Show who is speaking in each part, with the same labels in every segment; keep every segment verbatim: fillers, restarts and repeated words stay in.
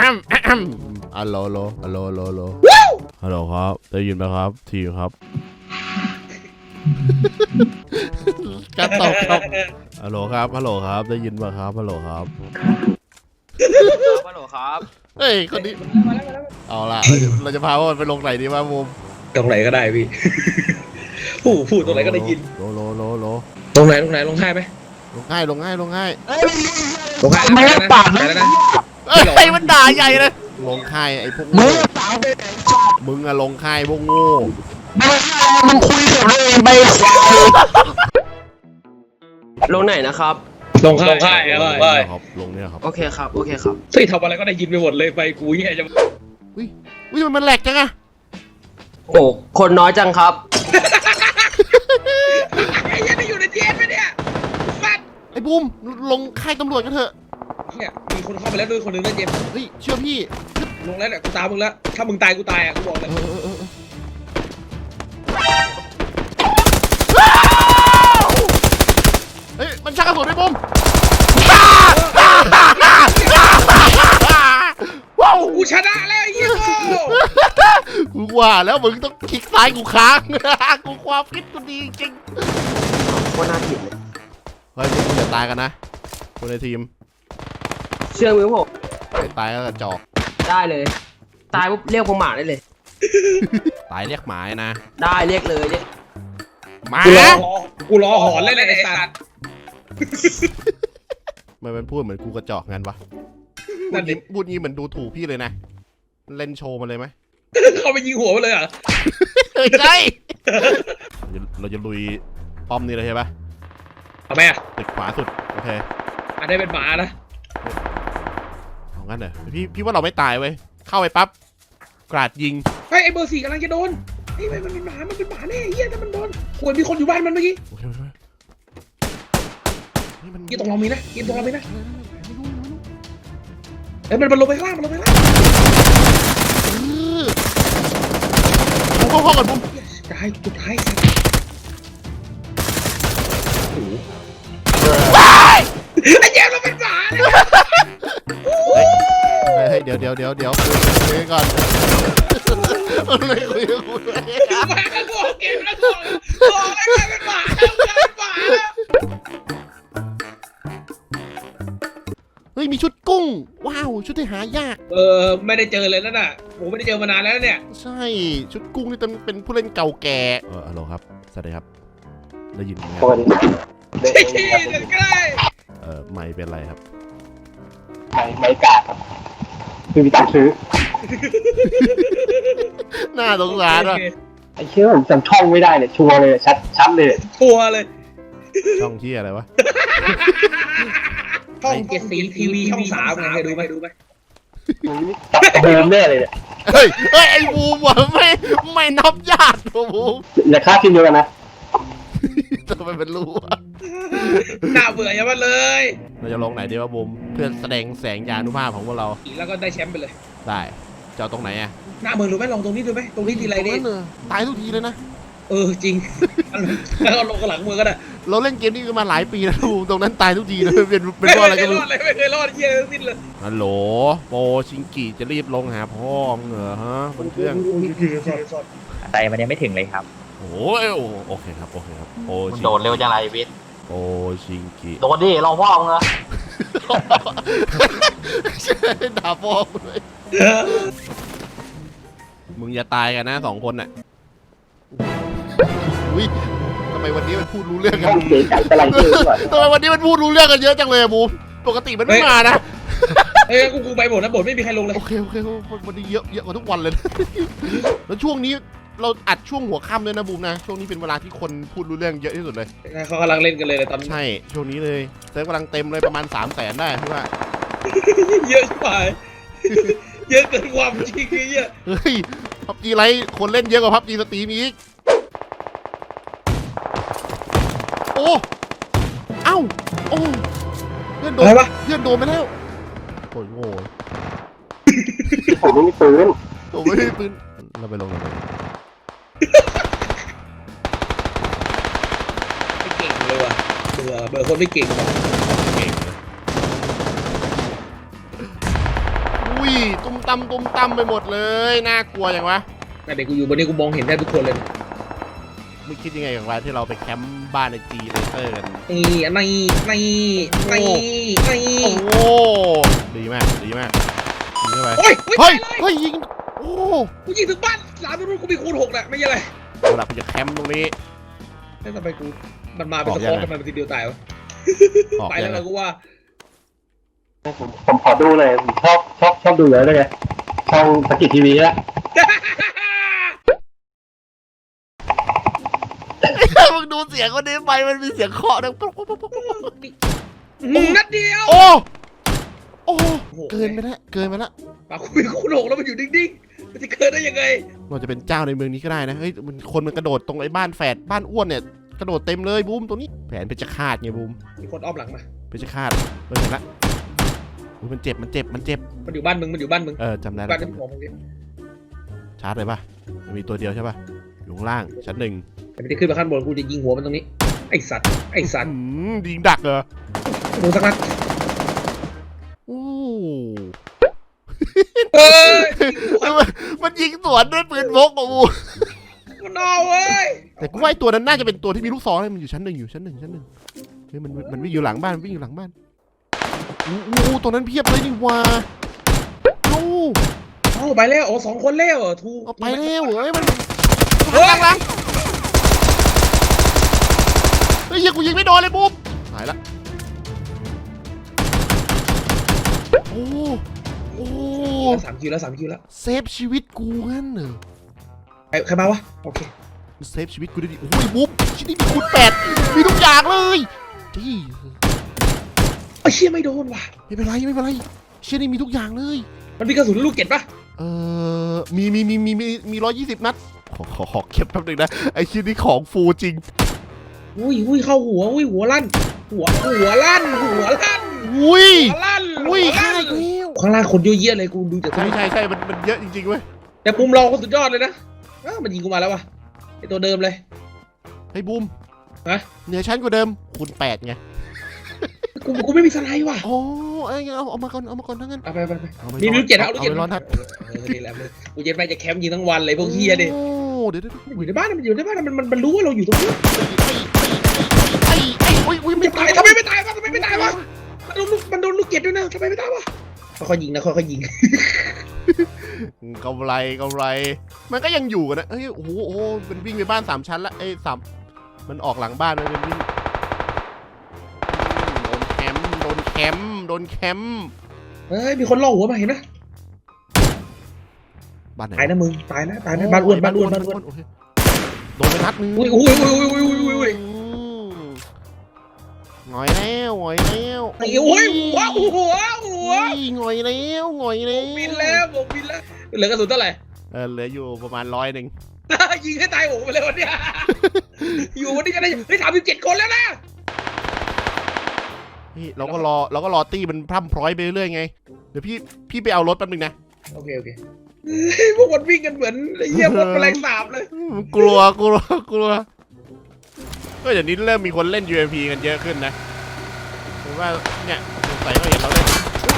Speaker 1: ฮัลโหลฮัลโหลฮัลโหลฮัลโหลฮัลโหลฮัลโหลครับได้ยินไหมครับทีมครับกระตกครับฮัลโหลครับฮัลโหลครับได้ยินไหมครับฮัลโหลครับ
Speaker 2: ฮัลโหลครับ
Speaker 1: เฮ้ยคนนี้เอาล่ะเราจะพาว่าไปลงไหนดีวะมุม
Speaker 3: ตรงไหนก็ได้พี่พูดพูดตรงไหนก็ได้ยิน
Speaker 1: โลโลโลโล
Speaker 3: ตรงไหนตรงไหนลงง่ายไหม
Speaker 1: ลงง่ายลงง่ายลงง่าย
Speaker 3: ลงง่ายไม่ได้ปากแล้วนะ
Speaker 1: ไอ้มันด่าใหญ่เลยลงค่ายไอ้พวกมึงมึงอะลงค่ายพวกโง่
Speaker 2: มึงคุยกับเลยไปลงไหนนะครับ
Speaker 3: ลงค่ายลงค่ายอะไร
Speaker 1: ครับลงเนี่ยครับ
Speaker 2: โอเคครับโอเคครับ
Speaker 3: เฮ้ยทำอะไรก็ได้ยินไปหมดเลยไปกูแย่จะ
Speaker 1: อุ้ยอุ้ยมันแหลกจังอะ
Speaker 2: โอ้คนน้อยจังครับ
Speaker 3: ไอ้ยังอยู่ในเจนไหมเนี่ยฟัด
Speaker 1: ไอ้บูมลงค่ายตำรวจกันเถอะ
Speaker 3: เนี่ยมีคนเข้าไปแล้วด้วยคนหนึ่งนะเจม
Speaker 1: เฮ้ยเชื่อพี่
Speaker 3: ลงแล้วเนี่ยกูตามมึงแล้วถ้ามึงตายกูตายอ่ะกูบอกเลย
Speaker 1: เฮ้ยมันชักกระสุนไอ้บูม
Speaker 3: ว้าวกูชนะแล้วไอ้เหี้ย
Speaker 1: กูว่าแล้วมึงต้องคลิกซ้ายกูค้างกูความคิดกูดีจริง
Speaker 2: ว่าน่าผิดเลย
Speaker 1: เฮ้ยพวกมึงอย่าตายกันนะคนในทีม
Speaker 2: เชื่อมือผม
Speaker 1: ตายแล้วกระจอก
Speaker 2: ได้เลยตายปุ๊บเรียกผมหมาได้เลย
Speaker 1: ตายเรียกหมานะ
Speaker 2: ได้เรียกเลยเรียก
Speaker 1: หมา
Speaker 3: กูรอหอนเลยไอ้สัตว์
Speaker 1: มันเป็นพูดเหมือนกูกระจอกงั้นวะพูดนี้พูดนี้เหมือนดูถูกพี่เลยนะเล่นโชว์มาเลยไหม
Speaker 3: เขาไปยิงหัวมาเลยเหรอ
Speaker 1: ใช่เราจะลุยป้อมนี่เลยใช่ปะ
Speaker 3: เอาไหมอะ
Speaker 1: ตึกขวาสุดโอเค
Speaker 3: อันนี้เป็นหมานะ
Speaker 1: เอางั้นเหรอพี่พี่ว่าเราไม่ตายเว้ยเข้าไปปั๊บกราดยิง
Speaker 3: ไอ้ไอ้เบอร์สี่กำลังจะโดนไอ้มันเป็นหมามันเป็นหมาแน่เฮียถ้ามันโดนควรมีคนอยู่บ้านมันเมื่อกี้
Speaker 1: โอเคโอเค
Speaker 3: ยี่ตรงเรามีนะยี่ตรงเรามีนะเอ้ยมันมันลงไปข้างล่างมันลงไปข้างล่าง
Speaker 1: บุ้มเข้าก่อนบุ้ม
Speaker 3: ตายจุดท้ายไอ้เจ้าเราเป็นหมา
Speaker 1: เฮ้ยเดี๋ยวเดี๋ยวเดี๋ยวเดี๋ยวคุยก่อนเลยคุยคุย
Speaker 3: มากันบอกเกมแล้วบอกบอกอะไรเป็นหมาเป็นหมา
Speaker 1: เฮ้ยมีชุดกุ้งว้าวชุดที่หายาก
Speaker 3: เออไม่ได้เจอเลยนั่นน่ะผมไม่ได้เจอมานานแล้วเนี่ย
Speaker 1: ใช่ชุดกุ้งนี่เป็นผู้เล่นเก่าแก่เออฮัลโหลครับสวัสดีครับได้ยินไหม
Speaker 3: คนใช่ใช่ใกล้
Speaker 1: เออไม่เป็นไรครับ
Speaker 4: ไม่ไม่กล้าครับคือมีตังค์ซื้อ
Speaker 1: น่าสงสารอ่ะ
Speaker 4: ไอ้เชื่อผมจำช่องไม่ได้เลยชัวร์เลยชัดชัดเลย
Speaker 3: ชัวร์เลย
Speaker 1: ช่องที่อะไรวะ
Speaker 3: ช่องเจ็ดสีทีวีช่องสามไงเคยดูไหมดูไหม
Speaker 4: ตัดเดิมแน่เลยเนี่ย
Speaker 1: เฮ้ยเฮ้ยไอ้บูมว่ะไม่ไม่นับญาติบูม
Speaker 4: อย่าฆ่าทีมเดียวกันนะ
Speaker 1: ทำไมเป็นรู้วะ
Speaker 3: น่าเบื่อยังมาเลย
Speaker 1: เราจะลงไหนดีวะบูมเพื่อแสดงแสงยานุภาพของพวกเรา
Speaker 3: แล้วก็ได้แชมป์ไปเลย
Speaker 1: ได้จะเอาตรงไหนอ่ะ
Speaker 3: หน้าเมืองดูไหมลองตรงนี้ดูไหมตรงนี้ทีไรเนี่ย
Speaker 1: ตายทุกทีเลยนะ
Speaker 3: เออจริงแล้วก็ลงกระหลังมือก็ได้
Speaker 1: เราเล่นเกมนี้มาหลายปีแล้วบูมตรงนั้นตายทุกทีเลยเป็นเป็นว่าอะไรกันไม่
Speaker 3: ไม่เคยรอดเยี่ยมสิ้นเลย
Speaker 1: ฮัลโหลโปชิงกิจะรีบลงหาพ่อมึงเหรอฮะบนเครื่อง
Speaker 2: ใจมันยังไม่ถึงเลยครับ
Speaker 1: โอ้ยโอเคครับโอเคครับโอชิ
Speaker 2: โดดเร็วจังไรวิท
Speaker 1: โอชิงกิ
Speaker 2: โดดดิรอพ่อมึงเหรอ
Speaker 1: ด่าพ่อเลยมึงอย่าตายกันนะสองคนน่ะอุ้ยทำไมวันนี้มันพูดรู้เรื่องกันทำไมวันนี้มันพูดรู้เรื่องกันเยอะจังเลยบูมปกติมันไม่มานะ
Speaker 3: เอ้ยกูกูไปหมดนะบทไม่มีใครลงเลย
Speaker 1: โอเคโอเควันนี้เยอะเยอะกว่าทุกวันเลยแล้วช่วงนี้เราอัดช่วงหัวค่ำเลยนะบูมนะช่วงนี้เป็นเวลาที่คนพูดรู้เรื่องเยอะที่สุดเลย
Speaker 3: เขากำลังเล่นกันเลยตอนนี้
Speaker 1: ใช่ช่วงนี้เลยเซิร์ฟกำลังเต็มเลยประมาณสามแสนได้พี่ว่า
Speaker 3: เยอะชิบหายเยอะเกินความจริงเยอะ
Speaker 1: เฮ้ยพับจีไรคนเล่นเยอะกว่าพับจีสตรีมอีกโอ้เอ้าโอ้เพื่อนโดนเพื่อนโดนไปแล้วโอ้ยโง่
Speaker 4: ผมไม่มีปืน
Speaker 1: ผมไม่มีปืนเราไปลงกัน
Speaker 3: ไม่เก่งเลยว่ะเบื่อเบื่อคนไม่เก่งเก่งเลย
Speaker 1: อุ้ยตุ้มตำตุ้มตำไปหมดเลยน่ากลัวอย่างวะ
Speaker 3: แต่เด็กกูอยู่บนนี้กูมองเห็นได้ทุกคนเลย
Speaker 1: มึงคิดยังไงกับว่าที่เราไปแคมป์บ้านในจีเลเตอร์กัน
Speaker 3: นี่นี่นี่นี่นี่
Speaker 1: โอ้ดีมากดีมากยิงเข้าไป
Speaker 3: โอ้ย
Speaker 1: เฮ้ยเฮ้ยยิงโอ้
Speaker 3: กูยิงถึงบ้านหลานตรงนู้นกูมีคูณหกน่ะไม่ใช่อะไร
Speaker 1: เอาล่ะกูจะแคมป์ตรงนี้
Speaker 3: แล้วทำไมกูมันมาเป็นสะโพกกันมาเป็นทีเดียวตายวะ
Speaker 1: ออก
Speaker 3: ไป
Speaker 1: ยั
Speaker 3: แล้ว
Speaker 1: งไง
Speaker 3: นะกูว่า
Speaker 4: ผมผมขอดูเลยผมชอบชอบชอบดูเลยด้วยไงช่องสกิททีวีละ
Speaker 1: มึงดูเสียงคนนี้ไปมันมีเสียงเคาะดังป๊อกป๊อกป๊อกป๊อกป๊อก
Speaker 3: นัดเดียว
Speaker 1: โอ้โอ้เกินไปแล้วเกินไปแล้ว
Speaker 3: ปากกูมีคูณหกแล้วมันอยู่นิ่งๆมันจะเกิดได้ยังไง
Speaker 1: เราจะเป็นเจ้าในเมืองนี้ก็ได้นะเฮ้ยมันคนมันกระโดดตรงไอ้บ้านแฝดบ้านอ้วนเนี่ยกระโดดเต็มเลยบูมตรงนี้แผนเพชรฆาตไงบูม
Speaker 3: มีคนอ้อมหลังมา
Speaker 1: เพชรฆาตเออเห็นละอุ๊ยมันเจ็บมันเจ็บมันเจ็บ
Speaker 3: มันอยู่บ้านมึงมันอยู่บ้านมึง
Speaker 1: เออจำได้
Speaker 3: บ้า
Speaker 1: แล้ว
Speaker 3: นที่ผมมึงดิ
Speaker 1: ชาร์จเลยป่ะมันมีตัวเดียวใช่ป่ะอยู่ข้างล่างชั้นหนึ่ง
Speaker 3: แต่ไม่ได้ขึ้นมาขั้นบนกูจะยิงหัวมันตรงนี้ไอ้สัตว์ไอ้สัตว์
Speaker 1: อืมยิงดักเหรอ
Speaker 3: โดนสักนัด
Speaker 1: โอ้
Speaker 3: เอ้ย
Speaker 1: มันมันยิงสวนด้วยปืนพกอ่ะบู
Speaker 3: มันเอาเว้ย
Speaker 1: แต่กูว่าไอ้ตัวนั้นน่าจะเป็นตัวที่มีลูกศรเลยมันอยู่ชั้นหนึ่งอยู่ชั้นหนึ่งชั้นหนึ่งเฮ้ยมันมันวิ่งอยู่หลังบ้านมันวิ่งอยู่หลังบ้านอู้อู้ตัวนั้นเพียบเลยนี่วะโอ้
Speaker 3: เอาไปแล้วโอ้สองคนแล้วเหรอทู
Speaker 1: เอาไปแล้วเฮ้ยมัน
Speaker 3: เฮ้ย
Speaker 1: หลังหลังเฮ้ยยิงกูยิงไม่โดนเลยบูมหายละโอ้โอ้
Speaker 3: สามคิวแล้วสามคิวแล้ว
Speaker 1: เซฟชีวิตกูงั้นเหรอ
Speaker 3: ใครใครมาวะโอเค
Speaker 1: มันเซฟชีวิตกูได้ดิโอ้ยบูมชิ้นนี้มีคูณแปดมีทุกอย่างเลยจี้
Speaker 3: ไอ้เชี่ยไม่โดนว่ะ
Speaker 1: ไม่เป็นไรไม่เป็นไรเชิ้นนี้มีทุกอย่างเลย
Speaker 3: มันมีกระสุนลูกเก็ดปะ
Speaker 1: เออมีมีมีมีมีมีร้อยยี่สิบนัดขอขอขอเก็บแป๊บนึงนะไอชิ้นนี้ของฟูจริง
Speaker 3: อุ้ยอุ้ยเข้าหัวอุ้ยหัวลั่นหัวหัวลั่นหัวลั่น
Speaker 1: อุ้ย
Speaker 3: หัวลั่น
Speaker 1: อุ้ย
Speaker 3: หัว
Speaker 1: ฆ่า
Speaker 3: ลั่น
Speaker 1: อีกแล้ว
Speaker 3: ข้างล่างคนเยอะแยะเลยกูดูจาก
Speaker 1: ใช่ใช่ใช่มันมันเยอะจริงๆเว้ย
Speaker 3: แต่มุมเราก็สุดยอดเลยนะอ้าวมันยิงกูมาแล้ววะไอตัวเดิมเลย
Speaker 1: ไอ้บูม
Speaker 3: ฮะ
Speaker 1: เหนือชั้นกว่าเดิมคูณแปดไง
Speaker 3: กูกูไม่มีสไลด์ว่ะ
Speaker 1: โอ้เอ้ยเอาเอามาก่อนเอามาก่อนทั้งนั้น
Speaker 3: เอาไปไปไป
Speaker 1: เอาไป
Speaker 3: มีลูกเจ็ดเอาลูก
Speaker 1: เอา
Speaker 3: เจ็ด
Speaker 1: ไปร้อนทัด
Speaker 3: เออนี่แหละกูเย็นไปจะแคมป์ยิงทั้งวันเลยพวกเฮียดิ
Speaker 1: โอ้เดี๋ยวเดี๋ยว
Speaker 3: มันอยู่ในบ้านมันอยู่ในบ้านมันมันมันรู้ว่าเราอยู่ตรงนี้
Speaker 1: ไอ้ไอ้อุ้ยอุ้ย
Speaker 3: มัน
Speaker 1: ไม่
Speaker 3: จะ
Speaker 1: ตา
Speaker 3: ตาย ยทำไมไม่ตายวะทำไมไม่ตายวะมันโดนลูกมันโดนลูกเก็ดด้วยนะทำไมไม่ตายวะค่อยๆยิงนะค่อยๆยิง
Speaker 1: กำไรกำไร มันก็ยังอยู่กันนะเฮ้ยโอ้โหโอ้โหมันวิ่งไปบ้านสามชั้นละเอ้ยสามมันออกหลังบ้านมันเป็นวิ่งโดนแคมป์โดนแคมป์
Speaker 3: เฮ้ยมีคนล่อหัวมาเห็นไหม
Speaker 1: บ้านไหน
Speaker 3: ตายนะมึงตายนะตายนะบ้านอ้วนบ้านอ้วนบ้านอ้วน
Speaker 1: โอเคโดนไปนัดนึง
Speaker 3: อุ้ยอุ้ยอุ้ยอุ้ยอุ้ยอุ้ยอุ้ย
Speaker 1: หงอยแล้วหงอยแล้ว
Speaker 3: ไอ้โอ้ยหัวหัวหัว
Speaker 1: หงอยแล้วหงอยแล้ว
Speaker 3: บินแล้วผมบินแล้วเหลือกระสุนเท่าไหร่
Speaker 1: เออเหลืออยู่ประมาณร้อยหนึ่ง
Speaker 3: ยิงให้ตายโอ้ไปเลยวันเนี้ยอยู่วันนี้จะได้เฮ้ยถามสิบเจ็ดคนแล้วนะ
Speaker 1: นี่เราก็รอเราก็รอตี้มันพร่ำพร้อยไปเรื่อยไงเดี๋ยวพี่พี่ไปเอารถแป๊บนึงนะ
Speaker 3: โอเคโอเคพวกมันวิ่งกันเหมือนไอ้เหี้ยพวกแมลงสาบเลย
Speaker 1: กลัวกลัวกลัวก็เดี๋ยวนี้เริ่มมีคนเล่น ยู เอ็ม พี กันเยอะขึ้นนะผมว่าเนี่ยสงสัยเขาเห็นเราเล่น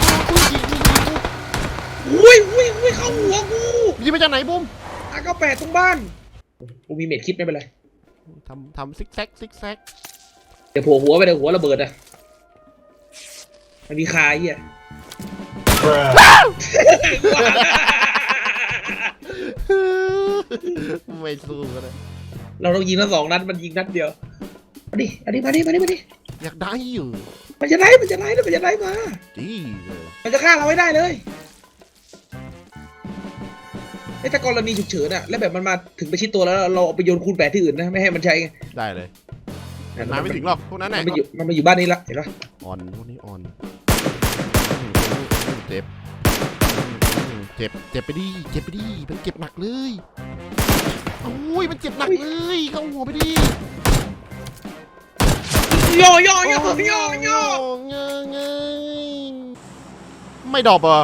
Speaker 3: อุ้ยอุ้ยอุ้ยเข้าหัวกู
Speaker 1: ยิงมาจากไหนบุ้ม
Speaker 3: อาก็แปดตรงบ้านกูมีเม็ดคิดไม่เป็นไร
Speaker 1: ทำทำซิกแซกซิกแซก
Speaker 3: เดี๋ยวโผล่หัวไปเดี๋ยวหัวระเบิดอ่ะมันมีคาเหี้ย
Speaker 1: ไม่สู้กันเลย
Speaker 3: เราต้องยิงทั้งสองนัดมันยิงนัดเดียวมาดิมาดิมาดิมาดิมาดิ
Speaker 1: อยากได้อยู่
Speaker 3: มันจะไล่มันจะไล่แล้วมันจะไล่มา
Speaker 1: ดีเลย
Speaker 3: มันจะฆ่าเราไม่ได้เลยไอ้ถ้ากรณีฉุกเฉินอะแล้วแบบมันมาถึงประชิดตัวแล้วเราเอาไปโยนคูณแปดที่อื่นนะไม่ให้มันใช้ไง
Speaker 1: ได้เลยมันมาไม่ถึงหรอกพวกนั้น
Speaker 3: มั
Speaker 1: น่ะ
Speaker 3: นมาอยู่มันมาอยู่บ้านนี้ละเห็นปะ
Speaker 1: อ่อนพวกนี้อ่อนเจ็บเจ็บเจ็บไปดิเจ็บไปดิมันเจ็บหนักเลยโอ้ยมันเจ็บหนักเลยเข้าหัวไปดิ
Speaker 3: ย่อย่อย่อย่อย่อ
Speaker 1: เงยเงยไม่ดรอปเหรอ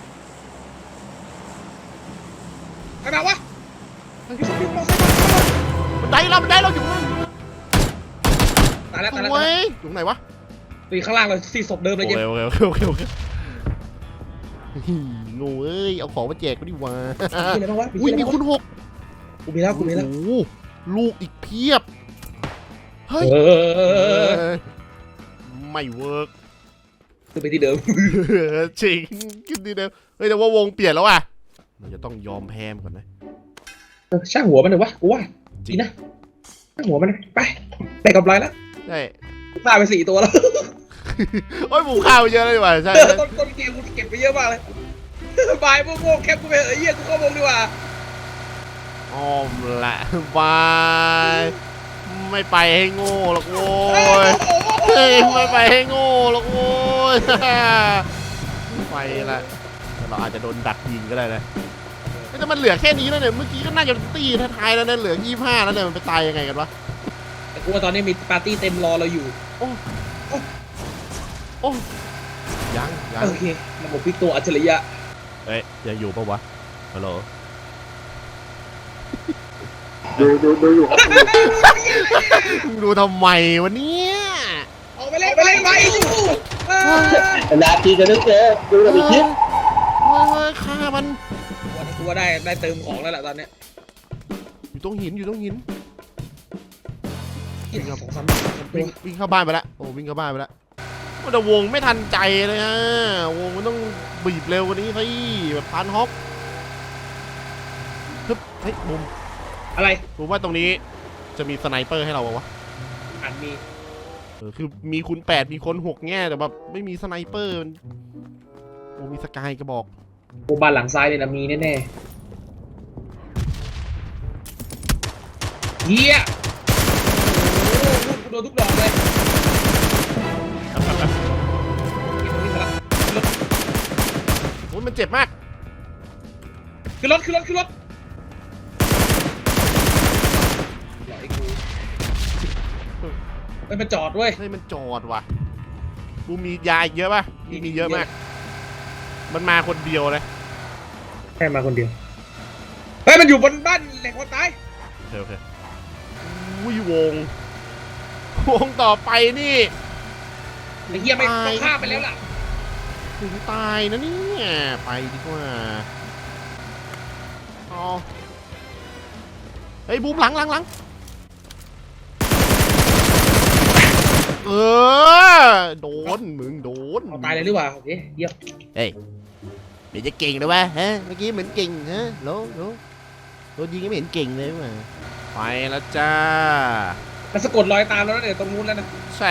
Speaker 3: ใครมาวะมีคนวิ่งมอเตอร์ไซค์มา
Speaker 1: มันได้เรามันได้เราอยู่ข้าง
Speaker 3: ตายแล้วตายแล้ว
Speaker 1: โอ้
Speaker 3: ตาย
Speaker 1: ยอยู่ไหนวะ
Speaker 3: แล้วข้างล่างเราสี่ศพเดิมเลย
Speaker 1: โอ
Speaker 3: เจ๊
Speaker 1: เคโอเคโอเคโอเคโอเคงูเอ้ยเอาของมาแจกก็ดีกว่า
Speaker 3: มีอะไรบ้างวะ
Speaker 1: อุ้ยมีคุณหก
Speaker 3: กูมีแล้วกูมีแล้ว
Speaker 1: โอ้โหลูกอีกเพียบเฮ้ย
Speaker 3: เออ
Speaker 1: ไม่เวิร์ก
Speaker 3: คือไปที่เดิม
Speaker 1: จริงขึ้นดีเดิมเฮ้ยแต่ว่าวงเปลี่ยนแล้วอ่ะมันจะต้องยอมแพ้มก่อนนะ
Speaker 3: ช่างหัวมันหน่อยวะกูว่าดีนะช่างหัวมันไปได้กำไรแล้ว
Speaker 1: ใช่
Speaker 3: ฆ่าไปสี่ตัวแล้ว
Speaker 1: โอ้ยหมูข้าวไปเยอะเลยดีกว่าใช่
Speaker 3: ต้นต้นเกมกูเก็บไปเยอะมากเลยบายพวกโง่แคปกูไปเอ้ยเหี้ยกูเข้าวงดีกว่า
Speaker 1: อ้อมละบายไม่ไปให้โง่หรอกโว้ยเฮ้ยไม่ไปให้โง่หรอกโว้ยไปละแต่เราอาจจะโดนดักยิงก็ได้นะแต่มันเหลือแค่นี้แล้วเนี่ยเมื่อกี้ก็น่าจะตีท้ายๆแล้วเนี่ยเหลือยี่สิบห้าแล้วเนี่ยมันไปตายยังไงกันวะ
Speaker 3: แต่กูว่าตอนนี้มีปาร์ตี้เต็มรอเราอยู่
Speaker 1: โอ้ยังยัง
Speaker 3: โอเคระบบพลิกตัวอัจฉริยะ
Speaker 1: เอ้ยยังอยู่ปะวะฮัลโหล
Speaker 4: ดูดูดูอยู่ครับ
Speaker 1: ดูทำไมวะเนี่ย
Speaker 3: ออกไปเล่นไปเล่นไปอยู่
Speaker 4: นาทีจะนึกเจอดูกับอีกที
Speaker 1: เฮ้ยเฮ้ยฆ่ามัน
Speaker 3: วันนี้กูว่าได้ได้เติมของแล้วแหละตอนเนี้ย
Speaker 1: อยู่ตรงหินอยู่ตรงหิน
Speaker 3: อีกสองสามตั
Speaker 1: วิ่
Speaker 3: ว
Speaker 1: งวิ่งเข้าบ้านไปแล้วโอ้วิ่งเข้าบ้านไปแล้วแต่วงไม่ทันใจเลยฮะวงมันต้องบีบเร็วกว่านี้สิแบบพันฮอปฮึบเฮ้ยมุม
Speaker 3: อะไร
Speaker 1: ผมว่าตรงนี้จะมีสไนเปอร์ให้เราปะวะ
Speaker 3: อ่านมี
Speaker 1: เออคือมีคุณแปดมีคนหกแง่แต่แบบไม่มีสไนเปอร์มันโอ้มีสกายกระบอก
Speaker 3: โบบานหลังซ้ายเนี่ยนะมีแน่ๆเฮียโอ้โหกูโดนทุกดอกเลยเก็บตรงนี้มาละ
Speaker 1: โอ้ยมันเจ็บมาก
Speaker 3: ขึ้นรถขึ้นรถขึ้นรถหลอยกูไม่มาจอดเว้ย
Speaker 1: เฮ้ยมันจอดว่ะกูมียาอีกเยอะป่ะมีมีเยอะมาก มันมาคนเดียวเลย
Speaker 3: แค่มาคนเดียวเฮ้ยมันอยู่บนบ้านแหล่งคนตาย
Speaker 1: โอเคโอเคอุ้ยวงวงต่อไปนี่
Speaker 3: ไอ้เหี้ยไม่ต้องฆ่าไปแล้วล่ะ
Speaker 1: ถึงตายนะเนี่ยไปดีกว่าเอาเฮ้ยบูมหลังหลังหลังเออโดนมึงโดน
Speaker 3: เอาตายเลยหรือเปล่าโอเคเยี่ยม
Speaker 1: เฮ้ยเดี๋ยวจะเก่งเลยวะฮะเมื่อกี้เหมือนเก่งฮะโลโลโดนยิงก็ไม่เห็นเก่งเลยว่ะไปแล้วจ้า
Speaker 3: มันสะกดรอยตามแล้วนะเนี่ยตรงนู้นแล้วนะ
Speaker 1: ใช่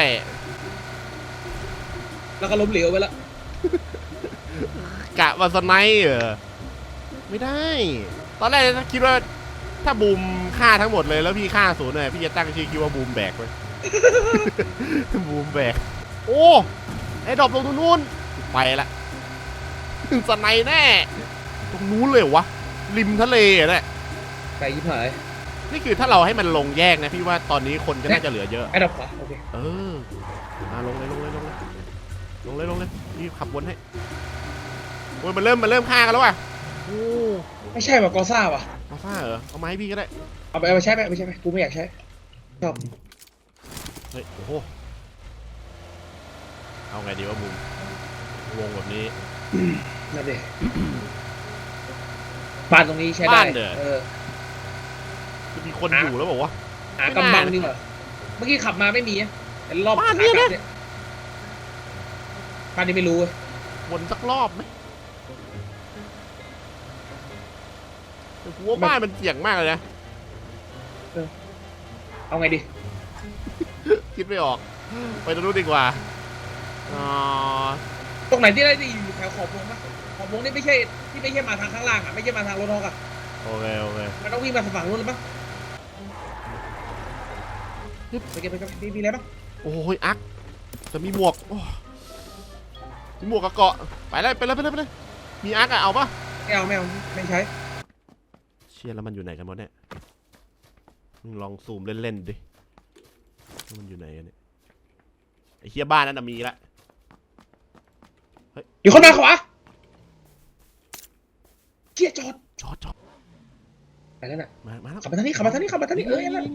Speaker 3: แล้วก็ล้มเหลวไปแล้ว
Speaker 1: กะว่าสไนเออไม่ได้ ตอนแรกคิดว่าถ้าบูมฆ่าทั้งหมดเลยแล้วพี่ฆ่าศูนย์เลยพี่จะตั้งชื่อคิดว่าบูมแบกไว้ บูมแบกโอ้ไอ้ดรอปลงตรงนู้นไปละสไนแน่ตรงนู้นเลยเหรอวะริมทะเลอ่ะเนี่ย
Speaker 3: ไปยิบหาย
Speaker 1: นี่คือถ้าเราให้มันลงแยกนะพี่ว่าตอนนี้คนก็น่าจะเหลือเยอะ
Speaker 3: ไอ้ดอกขวาโอเค
Speaker 1: เออมาลงเลยลงเลยลงเลยลงเลยลงเลยนี่ขับวนให้โอ้ยมันเริ่มมันเริ่มฆ่ากันแล้วว่ะโอ้
Speaker 3: ไม่ใช่ว่ะกอซ่าว่ะ
Speaker 1: มาซ่าเหรอเอามาให้พี่ก็ได้
Speaker 3: เอาไปเอาไปใช้ไปไม่ใช่ไหมกูไม่อยากใช้ชอบ
Speaker 1: เฮ้ยโอ้โหเอาไงดีวะบูมวงแบบนี้
Speaker 3: นั่นดิบ้านตรงนี้ใช้ได้
Speaker 1: บ้านเด้อ
Speaker 3: เออ
Speaker 1: จะมีคนอยู่แล้วบอกว่า
Speaker 3: หากำบังดีกว่าเมื่อกี้ขับมาไม่มีอะแต่รอบ
Speaker 1: บ้านเนี่ยนะ
Speaker 3: ขากลับเนี่ยบ้านนี้ไม่รู้เว้ย
Speaker 1: วนสักรอบไหมแต่กูว่าบ้านมันเสี่ยงมากเลยนะ
Speaker 3: เอาไงดี
Speaker 1: คิดไม่ออก ไปตรงนู้นดีกว่าอ๋อ
Speaker 3: ตรงไหนที่ได้ที่อยู่แถวขอบวงปะขอบวงนี่ไม่ใช่ที่ไม่ใช่มาทางข้างล่างอ่ะไม่ใช่มาทางรถฮอกอ่ะ
Speaker 1: โอเคโอเค
Speaker 3: มันต้องวิ่งมาฝั่งนู้นหรือปะไปเก็บไปเก็บมีมีอะไรปะ
Speaker 1: โอ้ยอักจะมีหมวกโอ้มีหมวกกับเกาะไปเลยไปเลยไปเลยไปเลยมีอักอะเอาปะ
Speaker 3: ไม่เอาไม่เอาไม่ใช้
Speaker 1: เชียแล้วมันอยู่ไหนกันหมดเนี่ยมึงลองซูมเล่นๆดิว่ามันอยู่ไหนกันเนี่ยไอ้เฮียบ้านนั้นน่ะมีละ
Speaker 3: อยู่คนมาขวาเชี่ยจอด
Speaker 1: จอดจอด
Speaker 3: ไปแล้วน่ะ
Speaker 1: มามาแล้ว
Speaker 3: ขับมาทางนี้ขับมาทางนี้ขับมาทางนี้เออนั่น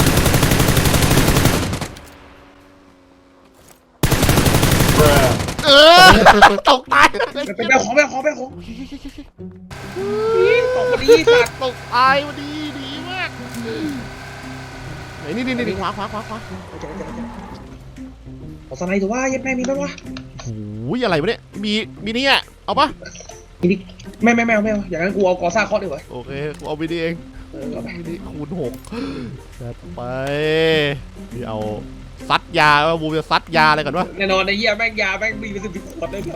Speaker 1: เอออตกตาย
Speaker 3: ไปไปเอาของไปเอาของไปเอาของนี่ตกพอดีสัตว์
Speaker 1: ตกตายวันดีดีมากไหนนี่นี่นี่ขวาขวาขวาขวา
Speaker 3: เจอเจอเจอขอสไนด์ถือว่ายัดแม่มีบ้างวะ
Speaker 1: โอ้ยอะไรวะเนี่ยมีมีนี่อ่ะเอาปะ
Speaker 3: มีดิไม่ไม่ไม่เอาไม่เอาอย่างนั้นกูเอากอซ่าเคาะดีกว่า
Speaker 1: โอเคกูเอาไปดีเอง
Speaker 3: เออเอาไป
Speaker 1: นี่คูณหกจัดไปนี่เอาซัดยาว่าบูมจะซัดยาอะไรก่อนวะ
Speaker 3: แน่นอนไอ้เหี้ยแม่งยาแม่งมีเป็นสิบสิบขวดเลยแบบ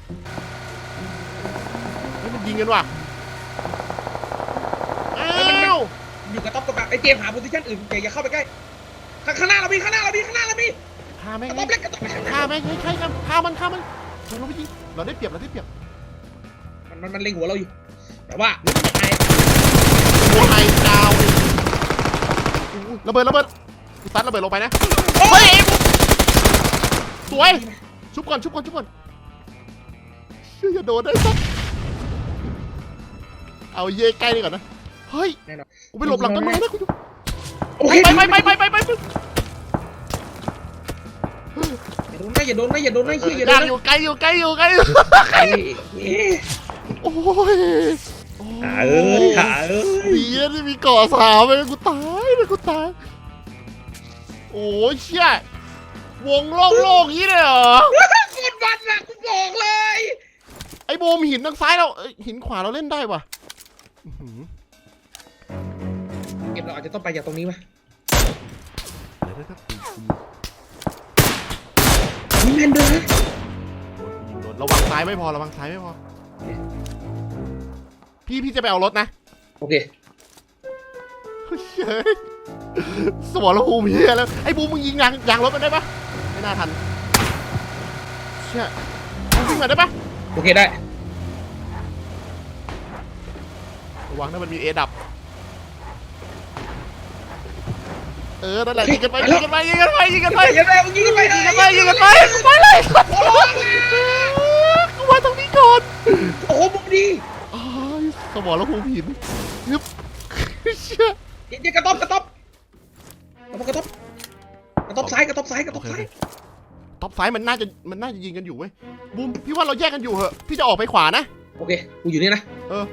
Speaker 1: เฮ้ยมันยิงกันว่ะอ้าว
Speaker 3: อยู่กับต๊อบกับแบบไอ้เจมส์หาโพซิชั่นอื่นเจอย่าเข้าไปใกล้ข้างข้างหน้าเรามีข้างหน้าเรามีข้างหน้าเรามี
Speaker 1: ฆ่าแม่ง
Speaker 3: กระต๊อบเล็กกระต๊อบเล็ก
Speaker 1: ฆ่าแม่งใช่ใช่ครับฆ่ามันฆ่ามันเราไม่ยิงเราได้เปรียบเราได้เปรียบ
Speaker 3: มันมันมันเล็งหัวเราอยู่ แต่ว่าไอ้
Speaker 1: หัวไฮดาวเลยอู้ระเบิดระเบิดกูซัดระเบิดลงไปนะเฮ้ยสวยชุบก่อนชุบก่อนชุบก่อนเชื่อจะโดนได้สักเอาเย่ใกล้นี่ก่อนนะเฮ้ย
Speaker 3: แน่นอน
Speaker 1: กูไปหลบหลังต้นไม้นะกู
Speaker 3: โอเค
Speaker 1: ไปไปไปไปไปไปไป
Speaker 3: อย่าโดนนะอย่าโดนนะอย่าโดนนะเฮียอย่าโด
Speaker 1: ย่าน ง
Speaker 3: นะ
Speaker 1: อยู่ไกลอยู่ไกลอยู่ไกลอยู่
Speaker 3: ไอ้เอ๊ะ
Speaker 1: โอ้ย
Speaker 3: หาเอ้ยหาเอ้ย
Speaker 1: ดีนะที่มีเกาะสามเลยกูตายเลยกูตายโอ้ยเชี่ยวงโล่งโล่งอย่างนี้เลยเหรอ
Speaker 3: โคตรมันนะกูบอกเลย
Speaker 1: ไอ้โบมหินทางซ้ายเราเอ้ยหินขวาเราเล่นได้ว่ะอื้อหือ
Speaker 3: เกมเราอาจจะต้องไปจากตรงนี้ไหม
Speaker 1: เดี๋ยวเดี๋ยวเดี๋ยว
Speaker 3: มีแมนเดอร์นะ
Speaker 1: ยิงโดนระวังซ้ายไม่พอระวังซ้ายไม่พอพี่พี่จะไปเอารถนะ
Speaker 3: โอเค
Speaker 1: เฮ้ยสมรภูมิเฮียแล้วไอ้บูมมึงยิงยางยางรถมันได้ปะไม่น่าทันเชี่ยมึงวิ่งมาได้ปะ
Speaker 3: โอเคได้
Speaker 1: ระวังถ้ามันมีเอดับเออนั่นแหละยิงกันไปยิงกันไปยิงกันไปยิงกันไป
Speaker 3: ยิงกันไปยิงกันไป
Speaker 1: ยิงกันไปยิงกันไปไปเลยกูมาตรงนี้ก่อน
Speaker 3: โอ้โหบุกดี
Speaker 1: อ้ายสมรภูมิหินยึบเชี่ย
Speaker 3: ยิงกระต๊อบกระต๊อบกระต๊อบกระต๊อบซ้ายกระต๊อบซ้ายกระต๊อบซ้าย
Speaker 1: ท็อปไฟมันน่าจะมันน่าจะยิงกันอยู่เว้ยบูมพี่ว่าเราแยกกันอยู่เหอะพี่จะออกไปขวานะ
Speaker 3: โอเคกูอยู่นี่นะ
Speaker 1: เออ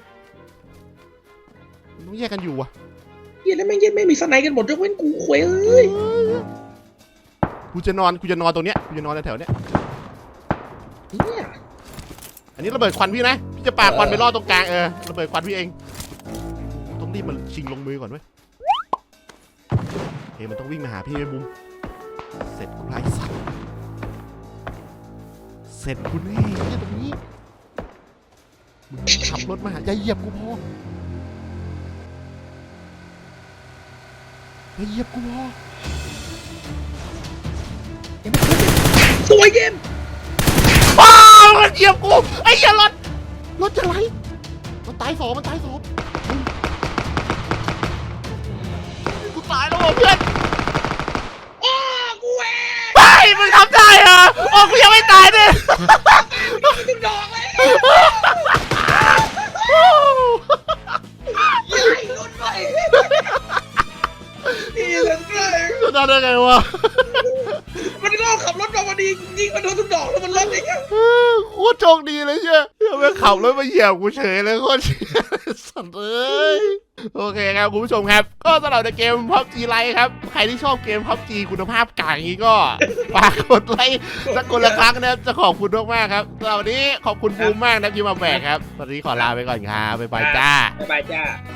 Speaker 1: ต้องแยกกันอยู่ว่ะ
Speaker 3: เฮียแล้วแม่งยังไม่มีสไนกันหมดยกเว้นกูขวยเอ้ย
Speaker 1: กูจะนอนกูจะนอนตรงเนี้ยกูจะนอนแถวๆเนี้ย
Speaker 3: เฮีย
Speaker 1: อันนี้ระเบิดควันพี่นะพี่จะปาควันไปล่อตรงกลางเออระเบิดควันพี่เองต้องรีบมันชิงลงมือก่อนเว้ยเฮ้ยมันต้องวิ่งมาหาพี่ไอ้บูมเสร็จกูไล่สัตว์เสร็จกูแน่เนี่ยตรงนี้มึงขับรถมาหาอย่าเหยียบกูพออย่าเหยียบกูพอ
Speaker 3: สวยเกม
Speaker 1: อ้าวมันเหยียบกูไอ้เหี้ยรถรถจะไหลมันตายสองมันตายสองกูตายแล้วว่ะเพื่อน
Speaker 3: โอ้กูเอง
Speaker 1: ไปมึงทำได้เหรอโอ้กูยังไม่ตายเนี่ย
Speaker 3: ถึงดอกเลยใหญ่ลุ้นไปนี่เลยเลย
Speaker 1: จะได้ได้ไงวะ
Speaker 3: มันก็ขับรถมาพอดียิงมันโดนทุกดอกแล้วมันรถไอ้เงี้ย
Speaker 1: โคตรโชคดีเลยเชียวเมื่อขับรถมาเหยียบกูเฉยเลยโคตรเชี่ยสัตว์เอ้ยโอเคครับคุณผู้ชมครับก็สำหรับในเกม พับจี Lite ครับใครที่ชอบเกม พับจี คุณภาพกลางอย่างนี้ก็ฝากกดไลค์สักคนละครั้งนะครับจะขอบคุณมากๆครับสำหรับวันนี้ขอบคุณบูมมากนะที่มาแบกครับตอนนี้ขอลาไปก่อนครับบ๊ายบายจ้า
Speaker 3: บ๊ายบายจ้า